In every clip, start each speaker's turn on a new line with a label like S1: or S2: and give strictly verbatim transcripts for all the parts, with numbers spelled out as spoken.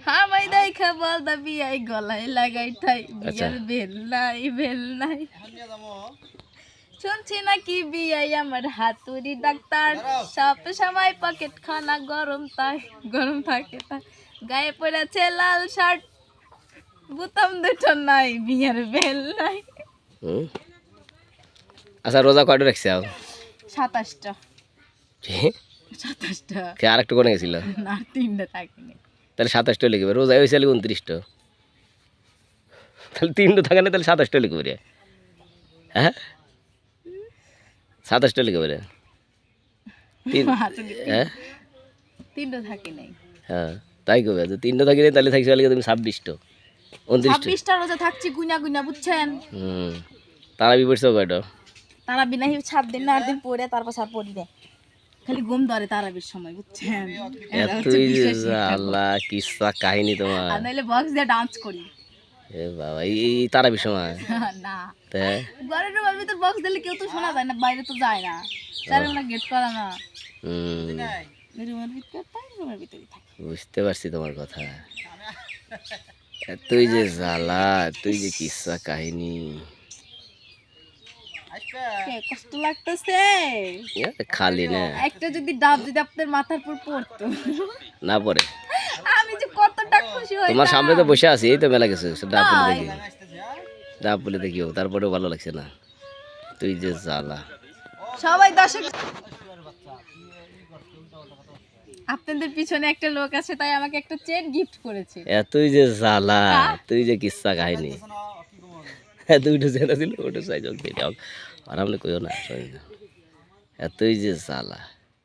S1: আমায় দেখা বল দা বিয়াই গলায় লাগাই ঠাই বিয়ার বেল নাই বেল নাই শুনছি নাকি বিয়াই আমার হাতুড়ি ডাক্তার সব সময় পকেট খানা গরম তাই গরম থাকে তাই গায়ে পড়েছে লাল শার্ট বুতাম দুটো নাই বিয়ার বেল নাই।
S2: আচ্ছা রোজা কয়টা রাখছে আও?
S1: সাতাশটা।
S2: কি
S1: সাতাশটা?
S2: কে আরেকটু কোনে গেছিল?
S1: না তিনটা থাকিনি।
S2: তাহলে সাতাশটা লিখবে, রোজা হয়েছে উনত্রিশটা, তাহলে তিনটা থাকে না, তাহলে সাতাশটা লিখবে রে। হ্যাঁ সাতাশটা লিখবে রে। হ্যাঁ
S1: তিনটা থাকি নাই।
S2: হ্যাঁ তাই কবে তিনটা থাকি নাই, তাহলে থাকছে তুমি ছাব্বিশটা উনত্রিশটা।
S1: ছাব্বিশটা রোজা থাকছি গুনা গুনা বুঝছেন।
S2: হুম তারা বি পড়ছো কয়টা?
S1: তারা বিনা সাত দিন না আট দিন পরে তারপর সার পড়ি দেয়, খালি ঘুম ধরে তারাবির সময় বুঝছেন।
S2: এতই আল্লাহ কিসা কাহিনী তোমার।
S1: আর নাইলে বক্স দিয়ে ডান্স করি।
S2: এ বাবা এই তারাবির সময়
S1: না
S2: তে
S1: ঘরের রুমের ভিতর বক্স দিলে কেউ তো শোনা যায় না, বাইরে তো যায় না, চারে না গেট করা না।
S2: হুম
S1: রুমের ভিতর তাই রুমের ভিতরই থাকে।
S2: বুঝতে পারছি তোমার কথা। তুই যে জ্বালা, তুই যে কিসা কাহিনী।
S1: কষ্ট লাগতেছে
S2: খালি না
S1: একটা যদি ডাব যদি আপনার মাথার উপর পড়তো
S2: না পড়ে,
S1: আমি যে কতটা খুশি হই।
S2: তোমার সামনে তো বসে আছি, এই তো মেলা গেছে ডাব বলে দেখি, ডাব বলে দেখিও, তারপরেও ভালো লাগছে না। তুই যে জ্বালা।
S1: সবাই দর্শক আপনাদের পিছনে একটা লোক আছে, তাই আমাকে একটা চেন গিফট করেছে।
S2: এতই যে জ্বালা, তুই যে কিসা কাহিনী। দুইটা চেন ছিল, ওটা সাইজ যাও আরামলে কইও না, এতই যে জ্বালা।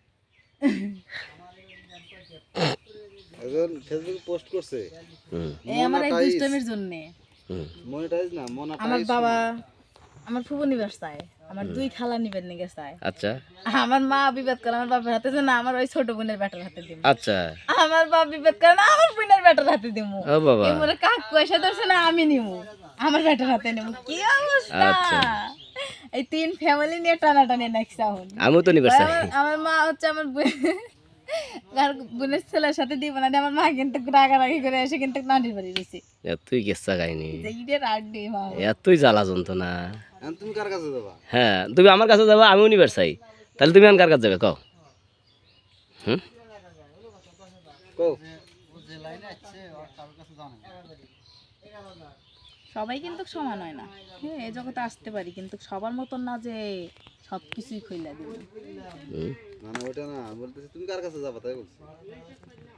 S3: একজন ফেসবুকে পোস্ট করছে
S1: এই আমার এই দুষ্টমির জন্য।
S3: মনিটাইজ না মনিটাইজ।
S1: আমার বাবা আমার ফুফু নিবাস চায়, আমার দুই খালা নিবেন নিগে চায়।
S2: আচ্ছা
S1: আমার মা বিবাদ করে আমার বাবার হাতে, না আমার ওই ছোট বোনের বেটার হাতে দিব।
S2: আচ্ছা
S1: আমার বাবা বিবাদ করে না আমার বোনের বেটার হাতে দিব।
S2: ও বাবা
S1: এমরে কাকু এসে ধরছে না আমি নিব, আমার বেটার হাতে নিব। কি অবস্থা।
S2: আচ্ছা
S1: এই তিন ফ্যামিলি নিয়ে টানাটানি নাকছে এখন।
S2: আমিও তো নিবার চাই।
S1: আমার মা হচ্ছে আমার বোনের ছেলের সাথে দিব না, আমার মা কিন্তু রাগারাগি করে এসে কিন্তু নানির বাড়ি রয়েছে।
S2: এতই কেসা কাহিনী,
S1: এতই
S2: জ্বালা যন্ত্রণা।
S3: তুমি কার কাছে যাবা?
S2: হ্যাঁ তুমি আমার কাছে যাবা, আমিও নিবার চাই, তাহলে তুমি আমার কার কাছে যাবে কও? হুম
S1: সবাই কিন্তু সমান হয় না। হ্যাঁ এই জগতে আসতে পারি কিন্তু সবার মতন না যে সবকিছুই খুইলা দিব।
S3: মানে ওটা না বলতেছি তুমি কার কাছে যাবা তাই বলছি।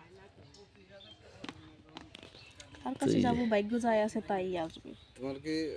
S1: কার কাছে যাবো, ভাগ্য যায় আছে তাই আসবে।
S3: তোমার কি